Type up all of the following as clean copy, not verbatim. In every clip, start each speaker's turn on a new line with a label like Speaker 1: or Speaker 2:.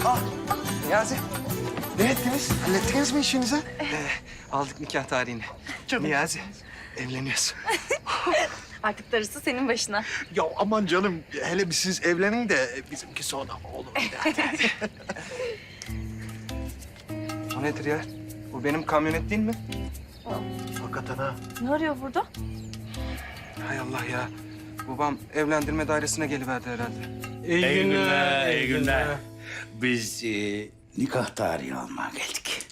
Speaker 1: Ah, Niyazi. Ne ettiniz? Hallettiniz mi işinizi?
Speaker 2: Aldık nikah tarihini. Niyazi, evleniyorsun.
Speaker 3: Artık darısı senin başına.
Speaker 1: Ya aman canım, hele bir siz evlenin de bizimki sonra olur.
Speaker 2: O nedir ya? Bu benim kamyonet değil mi?
Speaker 1: Hakikaten ha.
Speaker 3: Ne arıyor burada?
Speaker 2: Hay Allah ya. Babam evlendirme dairesine geliverdi herhalde.
Speaker 4: İyi günler, iyi günler. Biz nikah tarihi almaya geldik.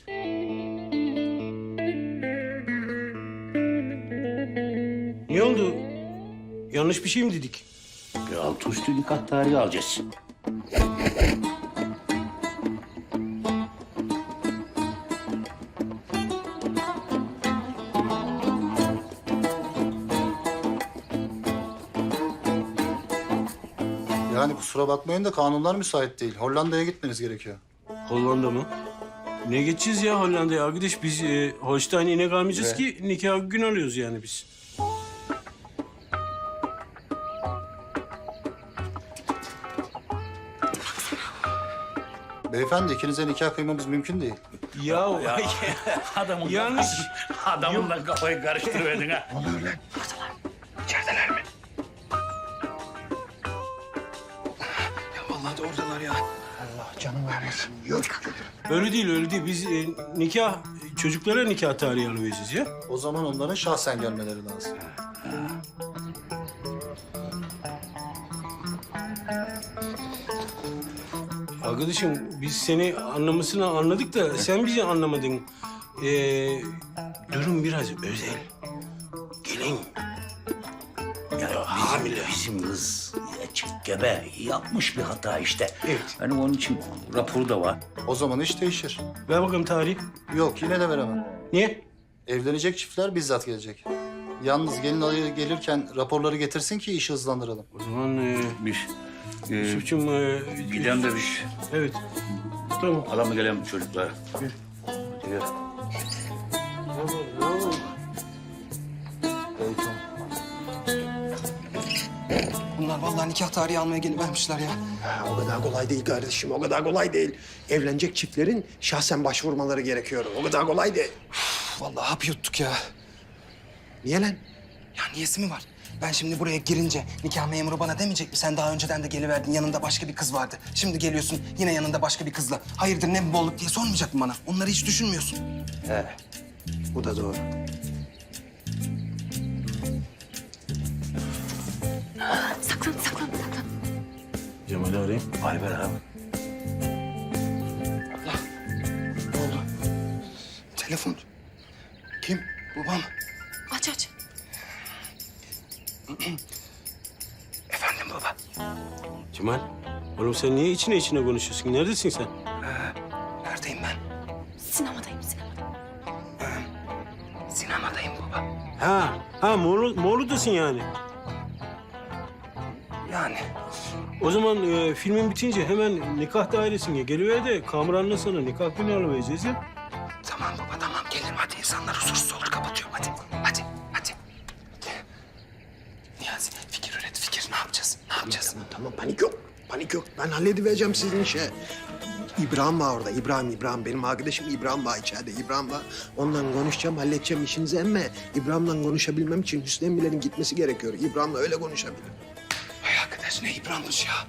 Speaker 5: Ne oldu? Yanlış bir şey mi dedik?
Speaker 4: Bir altı üstü nikah tarihi alacağız.
Speaker 6: Yani kusura bakmayın da kanunlar müsait değil. Hollanda'ya gitmeniz gerekiyor.
Speaker 5: Hollanda mı? Ne geçeceğiz ya Hollanda'ya arkadaş? Biz Holstein inek almayacağız ki nikah gün alıyoruz yani biz.
Speaker 6: Beyefendi ikinize nikah kıymamız mümkün değil.
Speaker 5: Ya,
Speaker 4: Adamın
Speaker 5: yanlış.
Speaker 4: Adamınla kafayı karıştırıverdin ha.
Speaker 2: Ya vallahi de oradalar ya.
Speaker 1: Allah canım vermesin. Yok.
Speaker 5: Öyle değil, öyle değil. Biz nikah, çocuklara nikah tarihi alıvereceğiz ya.
Speaker 6: O zaman onların şahsen gelmeleri lazım.
Speaker 5: Arkadaşım biz seni anlamasını anladık da sen bizi anlamadın. Durum biraz özel. Gelin.
Speaker 4: Ya bizim kız açık gebe yapmış bir hata işte.
Speaker 5: Evet.
Speaker 4: Hani onun için raporu da var.
Speaker 6: O zaman iş değişir.
Speaker 5: Ver bakalım tarihi.
Speaker 6: Yok yine de veremem.
Speaker 5: Niye?
Speaker 6: Evlenecek çiftler bizzat gelecek. Yalnız gelin adayı gelirken raporları getirsin ki işi hızlandıralım.
Speaker 5: O zaman
Speaker 4: Bir
Speaker 5: Yusuf'cum...
Speaker 4: gidelim de bir
Speaker 5: Evet. Tamam.
Speaker 4: adamla gelelim çocuklara. Gel. Gel.
Speaker 2: Bunlar vallahi nikah tarihi almaya gelivermişler ya.
Speaker 1: O kadar kolay değil kardeşim, o kadar kolay değil. Evlenecek çiftlerin şahsen başvurmaları gerekiyor. O kadar kolay değil.
Speaker 2: Vallahi hap yuttuk ya.
Speaker 1: Niye lan?
Speaker 2: Ya niyesi mi var? Ben şimdi buraya girince nikah memuru bana demeyecek mi? Sen daha önceden de geliverdin, yanında başka bir kız vardı. Şimdi geliyorsun yine yanında başka bir kızla. Hayırdır ne bu bolluk diye sormayacak mı bana? Onları hiç düşünmüyorsun.
Speaker 1: Bu da doğru.
Speaker 3: Saklan, saklan, saklan.
Speaker 5: Cemal'i arayayım.
Speaker 4: Hadi ver abi.
Speaker 2: Ne oldu? Telefon. Kim? Babam.
Speaker 3: Aç, aç.
Speaker 2: Efendim baba.
Speaker 5: Cemal. Oğlum sen niye içine içine konuşuyorsun? Neredesin sen?
Speaker 2: Neredeyim ben?
Speaker 3: Sinemadayım, sinemada.
Speaker 2: Sinemadayım baba.
Speaker 5: Ha Moğol'dasın yani.
Speaker 2: Yani.
Speaker 5: O zaman filmin bitince hemen nikah dairesine geliver de Kamran'la sana nikah günü alıvereceğiz ya.
Speaker 2: Tamam baba tamam gelirim hadi insanlar huzursuz olur kapatıyorum hadi. Hadi. Niyazi fikir üret fikir ne yapacağız? Ne yapacağız?
Speaker 1: Tamam panik yok. Panik yok. Ben halledivereceğim sizin işi. İbrahim var orada. İbrahim. Benim arkadaşım İbrahim var içeride. İbrahim var. Onunla konuşacağım, halledeceğim işinizi ama İbrahim'le konuşabilmem için Hüsnü Emmilerin gitmesi gerekiyor. İbrahim'le öyle konuşabilirim.
Speaker 2: Ay arkadaş ne İbrahim'miş ya.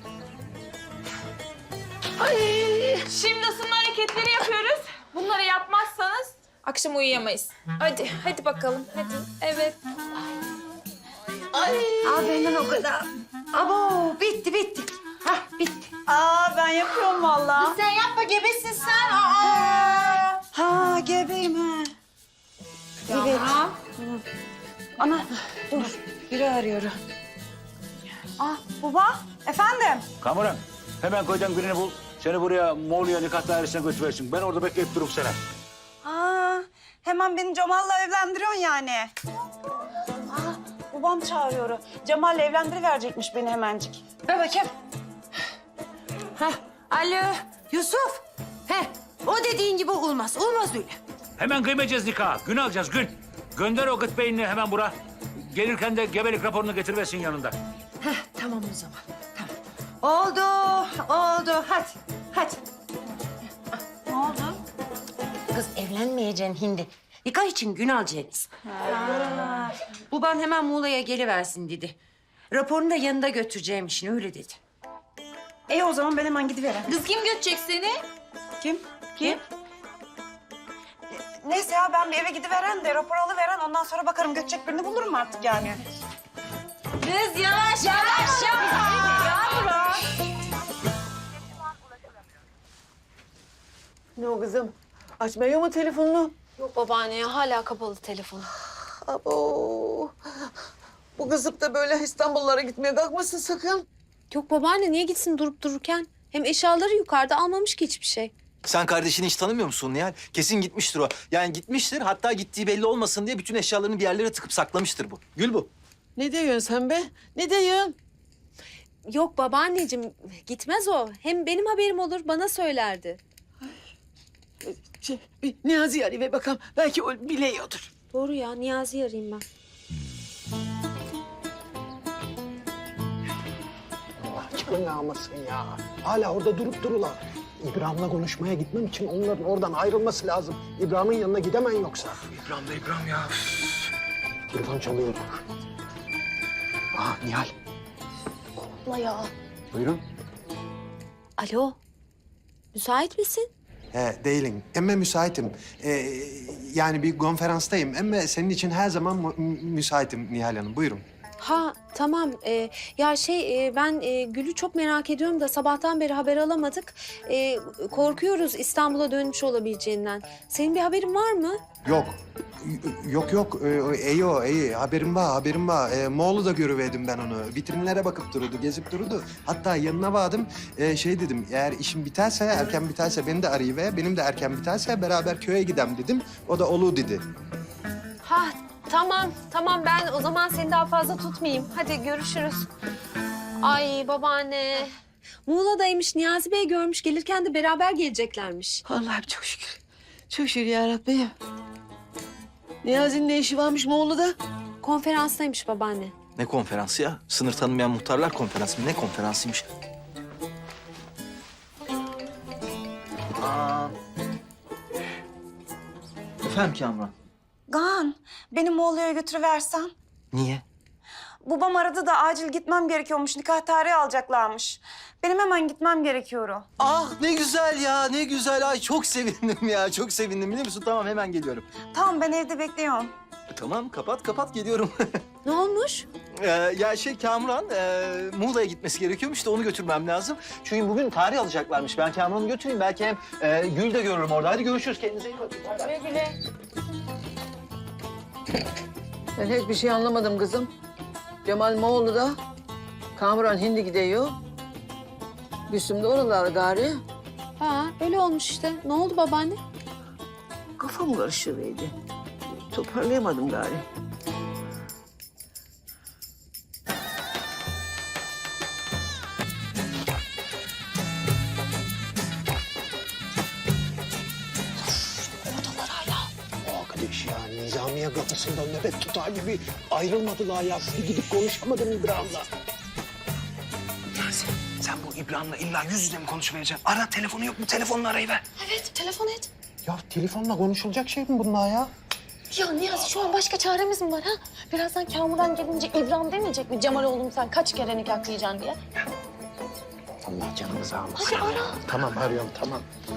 Speaker 7: Şimdi ısınma hareketleri yapıyoruz. Bunları yapmazsanız akşam uyuyamayız. Hadi, hadi bakalım. Hadi. Evet.
Speaker 8: Benden o kadar. Abo bitti. Hah bitti.
Speaker 7: Ben yapıyorum vallahi.
Speaker 8: Sen yapma gebesin sen. Ha gebeyim ha. Evet. Ana dur biri arıyor. Baba efendim.
Speaker 4: Kamuran hemen köyden birini bul. Seni buraya Moğolya nikah dairesine götürüversin. Ben orada bekleyip durup sana.
Speaker 8: Hemen beni Cemal'la evlendiriyorsun yani. Babam çağırıyor. Cemal'le evlendiriverecekmiş beni hemencik. Ver bakayım.
Speaker 9: Alo Yusuf. O dediğin gibi olmaz. Olmaz öyle.
Speaker 4: Hemen kıymayacağız nikahı. Gün alacağız gün. Gönder o gıt beyinini hemen bura. Gelirken de gebelik raporunu getiriversin yanında.
Speaker 9: Tamam o zaman. Tamam.
Speaker 8: Oldu. Hadi. Evlenmeyeceksin hindi. Nikah için gün alacaksınız. Baban hemen Muğla'ya geliversin dedi. Raporunu da yanında götüreceğim işini öyle dedi.
Speaker 9: O zaman ben hemen gidiverem.
Speaker 7: Kız kim götürecek seni?
Speaker 9: Kim? Neyse ya ben bir eve gidiveren de rapor alıveren ondan sonra bakarım götecek birini bulurum artık yani.
Speaker 7: Kız yavaş yavaş yavaş.
Speaker 10: Ne o kızım? Açmıyor mu telefonunu?
Speaker 3: Yok babaanne ya hala kapalı telefonu.
Speaker 10: Abo. Bu kızıp da böyle İstanbullara gitmeye kalkmasın sakın.
Speaker 3: Yok babaanne niye gitsin durup dururken? Hem eşyaları yukarıda almamış ki hiçbir şey.
Speaker 11: Sen kardeşini hiç tanımıyor musun Nihal? Kesin gitmiştir o. Yani gitmiştir, hatta gittiği belli olmasın diye bütün eşyalarını bir yerlere tıkıp saklamıştır bu. Gül bu.
Speaker 10: Ne diyorsun sen be? Ne diyorsun?
Speaker 3: Yok babaanneciğim gitmez o. Hem benim haberim olur bana söylerdi.
Speaker 10: Bir Niyazi'yi arayayım ve bakalım. Belki o biliyordur.
Speaker 3: Doğru ya Niyazi'yi arayayım ben.
Speaker 1: Allah çıkın yağmasın ya. Hala orada durup durular. İbrahim'le konuşmaya gitmem için onların oradan ayrılması lazım. İbrahim'in yanına gidemem yoksa.
Speaker 2: İbrahim ya.
Speaker 1: Telefon çalıyor. Aa Nihal.
Speaker 3: Allah ya.
Speaker 1: Buyurun.
Speaker 3: Alo. Müsait misin?
Speaker 1: Değilim. Emme müsaitim. Yani bir konferanstayım. Emme senin için her zaman müsaitim Nihal Hanım. Buyurun.
Speaker 3: Ha tamam. Ben Gül'ü çok merak ediyorum da sabahtan beri haber alamadık. Korkuyoruz İstanbul'a dönmüş olabileceğinden. Senin bir haberin var mı?
Speaker 1: Yok. Yok. İyi. Haberim var. Moğol'u da görüverdim ben onu. Vitrinlere bakıp dururdu, gezip dururdu. Hatta yanına vardım. Dedim, eğer işim biterse, erken biterse beni de arayıver. Benim de erken biterse beraber köye gidem dedim. O da olur dedi.
Speaker 3: Ha tamam ben o zaman seni daha fazla tutmayayım. Hadi görüşürüz. Ay babaanne. Muğla'daymış Niyazi Bey görmüş gelirken de beraber geleceklermiş.
Speaker 10: Allah'ım çok şükür. Çok şükür yarabbim. Niyazi'nin ne işi varmış Moğol'da?
Speaker 3: Konferanstaymış babaanne.
Speaker 11: Ne konferansı ya? Sınır tanımayan muhtarlar konferansı mı? Ne konferansıymış? Efendim Kamran?
Speaker 9: Kaan beni Moğol'a götürüversen.
Speaker 11: Niye?
Speaker 9: Babam aradı da acil gitmem gerekiyormuş. Nikah tarihi alacaklarmış. Benim hemen gitmem gerekiyor.
Speaker 11: Ah ne güzel ya, ne güzel. Ay çok sevindim ya, çok sevindim biliyor musun? Tamam hemen geliyorum.
Speaker 9: Tamam ben evde bekliyorum.
Speaker 11: Tamam kapat geliyorum.
Speaker 3: Ne olmuş?
Speaker 11: Kamran Muğla'ya gitmesi gerekiyormuş da onu götürmem lazım. Çünkü bugün tarih alacaklarmış. Ben Kamran'ı götüreyim. Belki hem Gül de görürüm orada. Hadi görüşürüz. Kendinize iyi bakın.
Speaker 3: Güle güle.
Speaker 10: Ben hiçbir şey anlamadım kızım. Cemal Moğol'da, Kamuran Hindi gidiyor. Gülsüm de oralar gari.
Speaker 3: Ha öyle olmuş işte. Ne oldu babaanne?
Speaker 10: Kafam karışıverdi. Toparlayamadım gari.
Speaker 1: Arkadaş ya Nizamiye kapısında nöbet tutar gibi ayrılmadılar ya. Bir gidip konuşamadım İbrahim'le.
Speaker 2: Niyazi sen bu İbrahim'le illa yüz yüze mi konuşmayacaksın? Ara telefonu yok mu? Telefonla arayıver.
Speaker 3: Evet telefon et.
Speaker 1: Ya telefonla konuşulacak şey mi bunlar ya?
Speaker 3: Ya Niyazi şu an başka çaremiz mi var ha? Birazdan Kamuran gelince İbrahim demeyecek mi? Cemal oğlum sen kaç kere nikahlayacaksın diye.
Speaker 1: Allah canımızı almasın.
Speaker 3: Hadi ara.
Speaker 1: Tamam arıyorum tamam.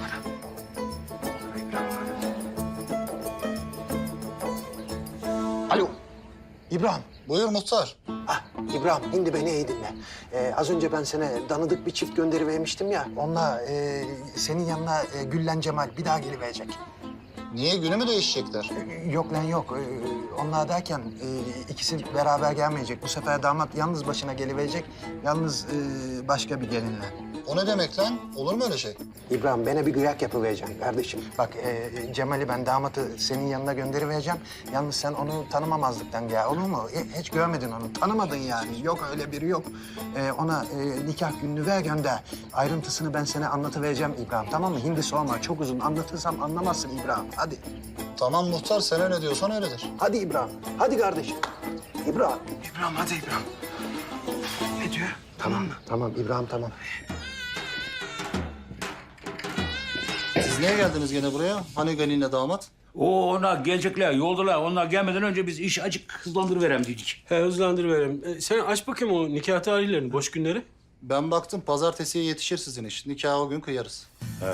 Speaker 1: Alo. İbrahim.
Speaker 6: Buyur muhtar.
Speaker 1: Ah İbrahim şimdi beni iyi dinle. Az önce ben sana danıdık bir çift gönderivermiştim ya. Onunla senin yanına Güllen Cemal bir daha geliverecek.
Speaker 6: Niye günü mü değişecekler?
Speaker 1: Yok lan yok. Onlar derken ikisi beraber gelmeyecek. Bu sefer damat yalnız başına geliverecek. Yalnız başka bir gelinle.
Speaker 6: O ne demek lan? Olur mu öyle şey?
Speaker 1: İbrahim bana bir kıyak yapıvereceksin kardeşim. Bak Cemal'i ben damatı senin yanına gönderivereceğim. Yalnız sen onu tanımamazlıktan gel olur mu? Hiç görmedin onu. Tanımadın yani. Yok öyle biri yok. Ona nikah gününü ver gönder. Ayrıntısını ben sana anlatıvereceğim İbrahim tamam mı? Hindi sorma çok uzun. Anlatırsam anlamazsın İbrahim. Hadi.
Speaker 6: Tamam muhtar sen öyle diyorsan öyledir.
Speaker 1: Hadi İbrahim. Hadi kardeşim. İbrahim.
Speaker 2: İbrahim hadi İbrahim. Ne diyor? Tamam mı?
Speaker 1: Tamam İbrahim tamam.
Speaker 6: Siz niye geldiniz gene buraya? Hani gelinle damat?
Speaker 4: Onlar gelecekler, yoldalar. Onlar gelmeden önce biz işi acık hızlandırıverem dedik.
Speaker 5: He hızlandırıverelim. Sen aç bakayım o nikah tarihlerini, boş günleri.
Speaker 6: Ben baktım pazartesiye yetişir sizin iş. Nikahı o gün kıyarız.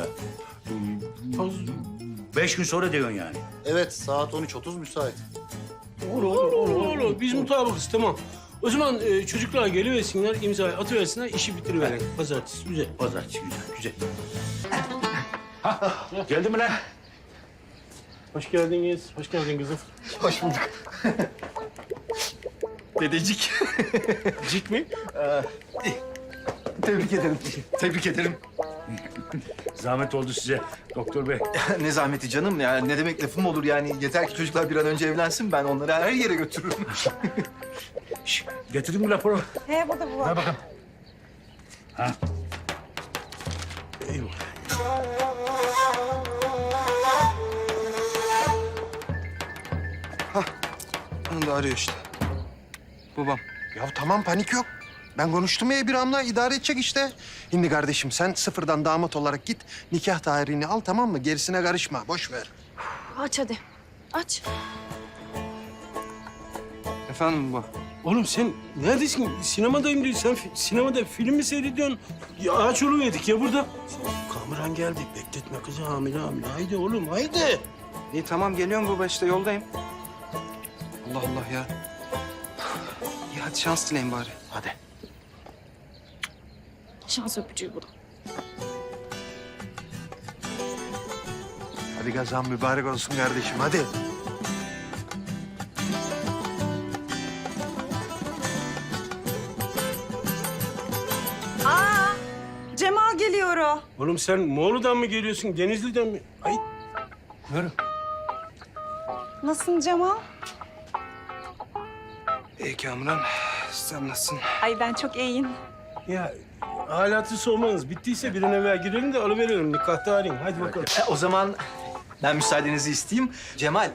Speaker 4: 5 gün sonra diyorsun yani.
Speaker 6: Evet saat 13.30 müsait.
Speaker 5: Olur. Biz mutabıkız, tamam. O zaman çocuklar geliversinler, imzayı atıversinler, işi bitiriverelim. Pazartesi, güzel.
Speaker 4: Pazartesi güzel. Ha, geldi mi lan?
Speaker 5: Hoş geldiniz, hoş geldin kızım.
Speaker 11: Hoş bulduk. Dedecik.
Speaker 5: Cik mi?
Speaker 11: Tebrik ederim. Tebrik ederim.
Speaker 4: Zahmet oldu size doktor bey.
Speaker 11: Ne zahmeti canım ya. Ne demek lafım olur yani. Yeter ki çocuklar bir an önce evlensin. Ben onları her yere götürürüm.
Speaker 4: Şş, getirdin mi raporu?
Speaker 9: He burada bu var.
Speaker 4: Ver bakalım. Ha.
Speaker 2: Onu da arıyor işte. Babam.
Speaker 1: Ya tamam panik yok. Ben konuştum ya İbrahim'le idare edecek işte. Şimdi kardeşim sen sıfırdan damat olarak git. Nikah tarihini al tamam mı? Gerisine karışma. Boş ver.
Speaker 3: Aç hadi. Aç.
Speaker 2: Efendim baba.
Speaker 5: Oğlum sen neredesin? Sinemadayım diyor. Sen sinemada film mi seyrediyorsun? Ya ağaç oluverdik ya burada. Kamuran geldi. Bekletme kızı hamile. Haydi oğlum haydi.
Speaker 2: İyi tamam geliyorum baba işte yoldayım. Allah Allah ya. İyi hadi şans dileyin bari.
Speaker 1: Hadi.
Speaker 3: Şans öpücüğü bu da.
Speaker 1: Hadi kazan mübarek olsun kardeşim hadi.
Speaker 9: Cemal geliyor o.
Speaker 5: Oğlum sen Moğol'dan mı geliyorsun? Denizli'den mi? Ay.
Speaker 9: Nasılsın Cemal?
Speaker 2: İyi Kamuran. Sen nasılsın?
Speaker 9: Ay ben çok iyiyim.
Speaker 5: Ya halatı sormanız bittiyse bir an evvel girelim de alıverelim nikah tarihini. Hadi bakalım.
Speaker 11: O zaman ben müsaadenizi isteyeyim. Cemal,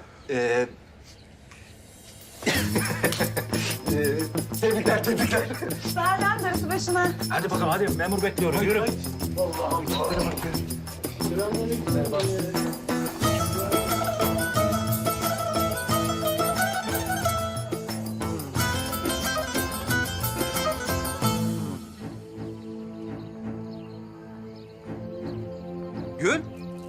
Speaker 11: tebrikler.
Speaker 9: Sağdan darısı başına.
Speaker 4: Hadi bakalım hadi memur bekliyorum. Yürü.
Speaker 11: Gül.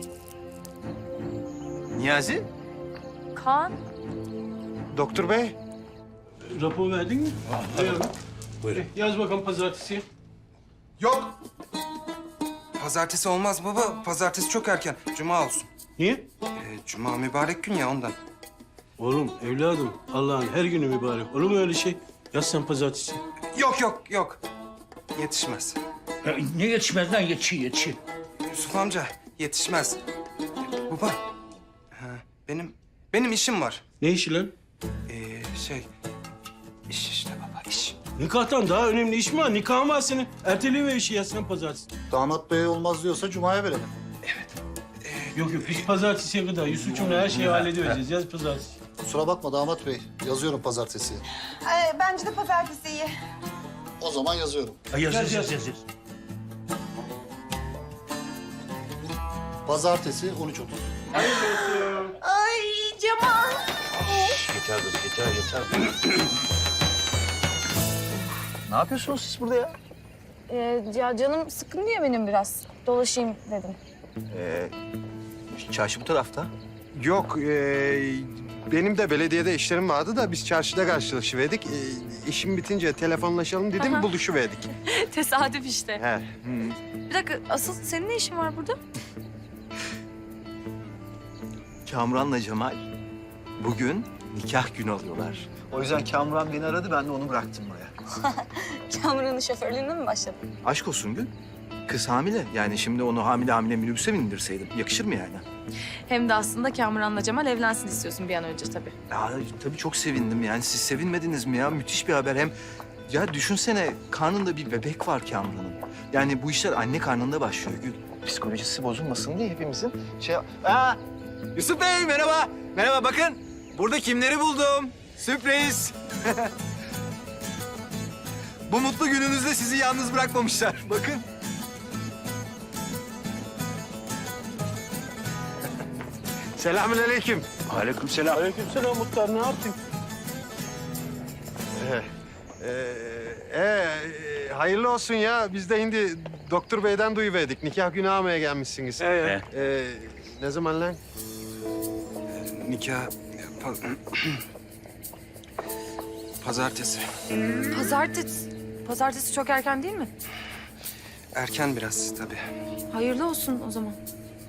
Speaker 11: Niyazi.
Speaker 3: Kaan.
Speaker 1: Doktor bey.
Speaker 5: Rapor verdin mi? Buyurun.
Speaker 4: Buyurun.
Speaker 5: Yaz bakalım pazartesi.
Speaker 2: Yok. Pazartesi olmaz baba. Pazartesi çok erken. Cuma olsun.
Speaker 5: Niye?
Speaker 2: Cuma mübarek gün ya ondan.
Speaker 5: Oğlum evladım Allah'ın her günü mübarek. Olur mu öyle şey? Yaz sen pazartesi.
Speaker 2: Yok. Yetişmez.
Speaker 4: Ya, ne yetişmez lan yetişir.
Speaker 2: Yusuf amca yetişmez. Baba. Ha, benim işim var.
Speaker 5: Ne işi lan?
Speaker 2: İş işte baba iş.
Speaker 5: Nikahtan daha önemli iş mi var? Nikahın var senin. Erteleyiver işi yaz sen pazartesi.
Speaker 6: Damat bey olmaz diyorsa Cuma'ya verelim.
Speaker 5: Yok biz pazartesiye kadar Yusuf'cumla her şeyi halledivereceğiz. Yaz pazartesi.
Speaker 6: Kusura bakma damat bey. Yazıyorum pazartesiye.
Speaker 9: Bence de pazartesi iyi.
Speaker 6: O zaman yazıyorum.
Speaker 4: Yaz.
Speaker 6: Pazartesi 13.30.
Speaker 9: Ay Cemal.
Speaker 4: Geçer kız geçer.
Speaker 11: Ne yapıyorsunuz siz burada ya?
Speaker 7: Ya canım sıkkın diye benim biraz. Dolaşayım dedim.
Speaker 11: Çarşı bu tarafta.
Speaker 1: Yok benim de belediyede işlerim vardı da biz çarşıda karşılaşıverdik. İşim bitince telefonlaşalım dedim buluşuverdik.
Speaker 7: Tesadüf işte.
Speaker 1: He.
Speaker 7: Bir dakika asıl senin ne işin var burada?
Speaker 11: Kamuran'la Cemal bugün nikah günü alıyorlar. O yüzden Kamuran beni aradı, ben de onu bıraktım buraya.
Speaker 7: Kamuran'ın şoförlüğüne mi başladın?
Speaker 11: Aşk olsun Gül. Kız hamile. Yani şimdi onu hamile minibüse mi indirseydim? Yakışır mı yani?
Speaker 7: Hem de aslında Kamuran'la Cemal evlensin istiyorsun bir an önce tabii.
Speaker 11: Ya tabii çok sevindim yani. Siz sevinmediniz mi ya? Müthiş bir haber. Hem ya düşünsene karnında bir bebek var Kamuran'ın. Yani bu işler anne karnında başlıyor Gül. Psikolojisi bozulmasın diye hepimizin Yusuf Bey merhaba. Merhaba bakın. Burada kimleri buldum? Sürpriz. Bu mutlu gününüzde sizi yalnız bırakmamışlar. Bakın.
Speaker 1: Selamünaleyküm.
Speaker 4: Aleykümselam.
Speaker 5: Aleykümselam Muhtar, ne yaptın?
Speaker 1: Hayırlı olsun ya. Biz de şimdi doktor beyden duyuverdik. Nikah günü almaya gelmişsiniz. Ne zaman lan?
Speaker 2: Nikah... Pazartesi.
Speaker 7: Pazartesi çok erken değil mi?
Speaker 2: Erken biraz tabii.
Speaker 7: Hayırlı olsun o zaman.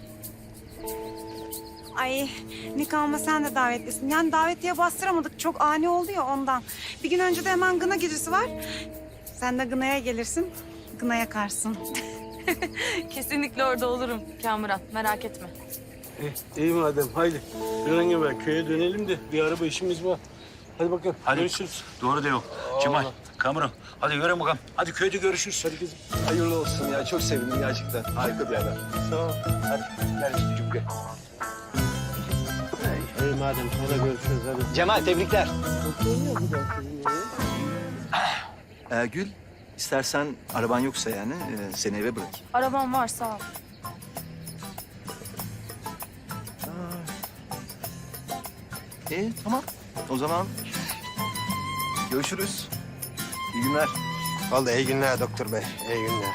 Speaker 9: Ay nikahıma sen de davetlisin. Yani davetiye bastıramadık. Çok ani oldu ya ondan. Bir gün önce de hemen gına gecesi var. Sen de gınaya gelirsin. Gına yakarsın.
Speaker 7: Kesinlikle orada olurum Kamuran. Merak etme.
Speaker 5: İyi madem, haydi. Bir an evvel köye dönelim de bir araba işimiz var. Hadi bakalım,
Speaker 4: Hadi.
Speaker 5: görüşürüz.
Speaker 4: Doğru diyor. Cemal, Kamuran. Hadi görelim bakalım. Hadi köyde görüşürüz. Hadi kızım.
Speaker 11: Hayırlı olsun ya. Çok sevindim gerçekten. Harika bir haber.
Speaker 5: Sağ ol.
Speaker 4: Hadi. Gel üstücüm gel.
Speaker 1: İyi madem sonra görüşürüz hadi.
Speaker 11: Cemal, tebrikler. Gül, istersen araban yoksa yani seni eve bırakayım.
Speaker 7: Arabam var sağ ol.
Speaker 11: Tamam. O zaman görüşürüz. İyi günler.
Speaker 1: Vallahi iyi günler doktor bey. İyi günler.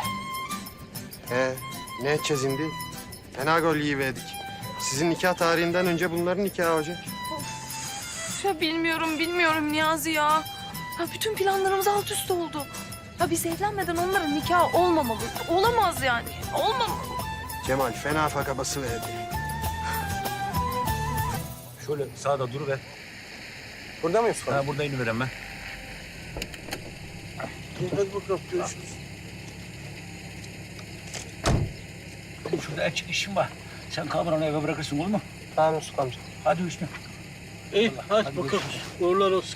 Speaker 1: Ne edeceğiz şimdi? Fena gol yiyiverdik. Sizin nikah tarihinden önce bunların nikahı olacak.
Speaker 7: Ya bilmiyorum Niyazi ya. Ya bütün planlarımız alt üst oldu. Ya biz evlenmeden onların nikahı olmamalı. Olamaz yani. Olmamalı.
Speaker 1: Cemal fena fakabası verdi.
Speaker 4: Şöyle sağda duruver.
Speaker 5: Burada mıyız?
Speaker 4: Ha, burada iniverem ben.
Speaker 5: Hadi bakalım, görüşürüz.
Speaker 4: Benim şurada açık işim var. Sen Kamuran'ı eve bırakırsın olur mu?
Speaker 5: Tamam Yusuf amca.
Speaker 4: Hadi Hüsnü.
Speaker 5: İyi, hadi bakalım.
Speaker 4: görüşürüz.
Speaker 5: Uğurlar olsun.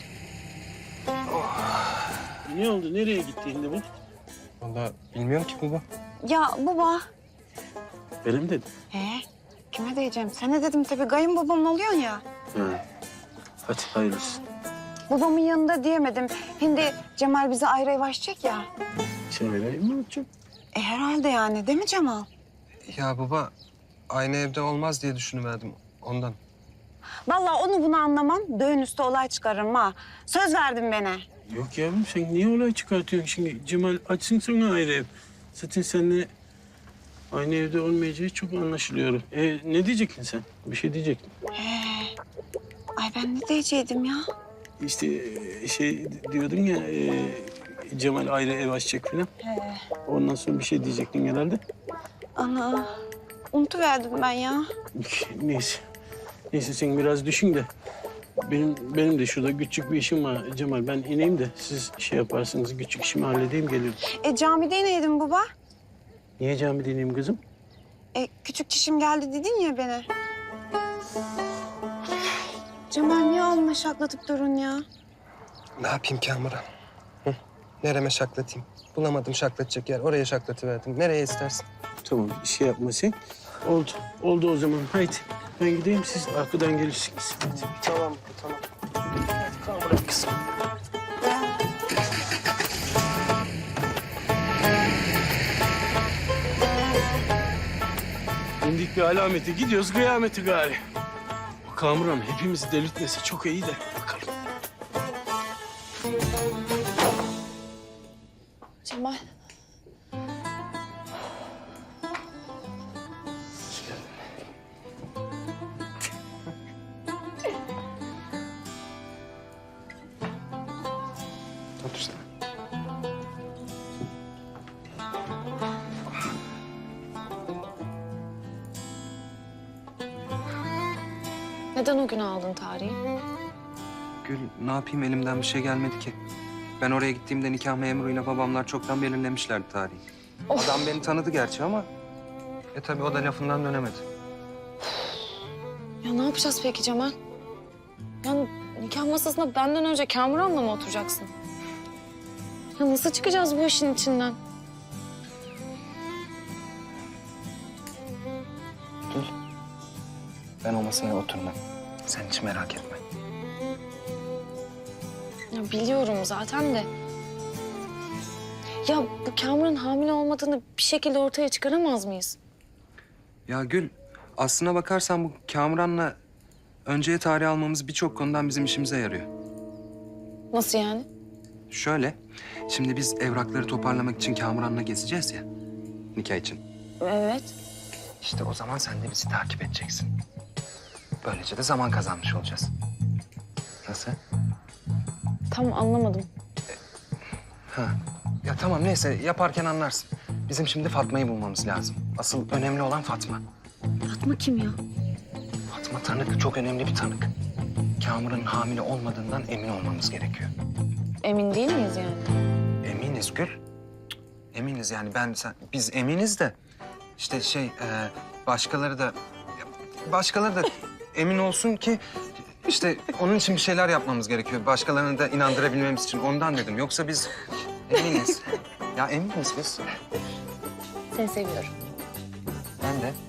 Speaker 5: Ne oldu, nereye gitti şimdi bu?
Speaker 2: Vallahi bilmiyorum ki baba.
Speaker 9: Ya baba.
Speaker 5: Benim dedim.
Speaker 9: Kime diyeceğim? Sana dedim tabii. Kayınbabam oluyorsun ya.
Speaker 5: Ha. Hadi hayırlısı.
Speaker 9: Babamın yanında diyemedim. Şimdi Cemal bizi ayrı ev açacak ya.
Speaker 5: Sen vereyim mi açacağım?
Speaker 9: Herhalde yani değil mi Cemal?
Speaker 2: Ya baba aynı evde olmaz diye düşünüverdim ondan.
Speaker 9: Vallahi onu bunu anlamam. Düğün üstü olay çıkarırım ha. Söz verdin bana.
Speaker 5: Yok yavrum, sen niye olay çıkartıyorsun şimdi? Cemal açsın sana ayrı ev. Zaten seninle aynı evde olmayacağı çok anlaşılıyor. Ne diyecektin sen? Bir şey diyecektin.
Speaker 9: Ay ben ne diyecektim ya?
Speaker 5: İşte şey diyordun ya, Cemal ayrı ev açacak falan. Ondan sonra bir şey diyecektin herhalde.
Speaker 9: Ana. Unutuverdim ben ya.
Speaker 5: Neyse. Neyse sen biraz düşün de. Benim de şurada küçük bir işim var Cemal. Ben ineyim de siz şey yaparsınız, küçük işimi halledeyim gelirim.
Speaker 9: Camide neydim baba?
Speaker 5: Niye camide ineyim kızım?
Speaker 9: Küçük çişim geldi dedin ya bana. Cemal niye alma şaklatıp durun ya?
Speaker 2: Ne yapayım Kamuran? Hı? Nereme şaklatayım? Bulamadım şaklatacak yer. Oraya şaklatıverdim. Nereye istersin?
Speaker 5: Tamam, şey yapma sen. Oldu. Oldu o zaman. Haydi. Ben gideyim, siz arkadan gelirsiniz. Hadi.
Speaker 2: Tamam.
Speaker 5: Hadi Kamuran kızım. İndik bir alameti. Gidiyoruz kıyameti gari. Bu Kamuran hepimizi delirtmesi çok iyi de. Bakalım.
Speaker 7: Cemal.
Speaker 2: Otur sen.
Speaker 3: Neden o gün aldın tarihi?
Speaker 2: Gül ne yapayım elimden bir şey gelmedi ki. Ben oraya gittiğimde nikah memuruyla babamlar çoktan belirlemişlerdi tarihi. Adam beni tanıdı gerçi ama... tabii o da lafından dönemedi.
Speaker 3: Ya ne yapacağız peki Cemal? Yani nikah masasında benden önce Kamuran'la mı oturacaksın? Ya nasıl çıkacağız bu işin içinden?
Speaker 2: Ben o masaya oturmam. Sen hiç merak etme.
Speaker 3: Ya biliyorum zaten de. Ya bu Kamuran hamile olmadığını bir şekilde ortaya çıkaramaz mıyız?
Speaker 2: Ya Gül, aslına bakarsan bu Kamuran'la önceye tarih almamız birçok konudan bizim işimize yarıyor.
Speaker 7: Nasıl yani?
Speaker 2: Şöyle, şimdi biz evrakları toparlamak için Kamuran'la gezeceğiz ya, nikah için.
Speaker 7: Evet.
Speaker 2: İşte o zaman sen de bizi takip edeceksin. Böylece de zaman kazanmış olacağız. Nasıl?
Speaker 7: Tam anlamadım.
Speaker 2: Ha. Ya tamam neyse yaparken anlarsın. Bizim şimdi Fatma'yı bulmamız lazım. Asıl önemli olan Fatma.
Speaker 7: Fatma kim ya?
Speaker 2: Fatma tanık, çok önemli bir tanık. Kamuran'ın hamile olmadığından emin olmamız gerekiyor.
Speaker 7: Emin değil miyiz yani?
Speaker 2: Eminiz Gül. Cık, eminiz yani biz eminiz de işte başkaları da emin olsun ki işte onun için bir şeyler yapmamız gerekiyor. Başkalarını da inandırabilmemiz için ondan dedim. Yoksa biz eminiz. Ya eminiz biz.
Speaker 7: Seni seviyorum.
Speaker 2: Ben de.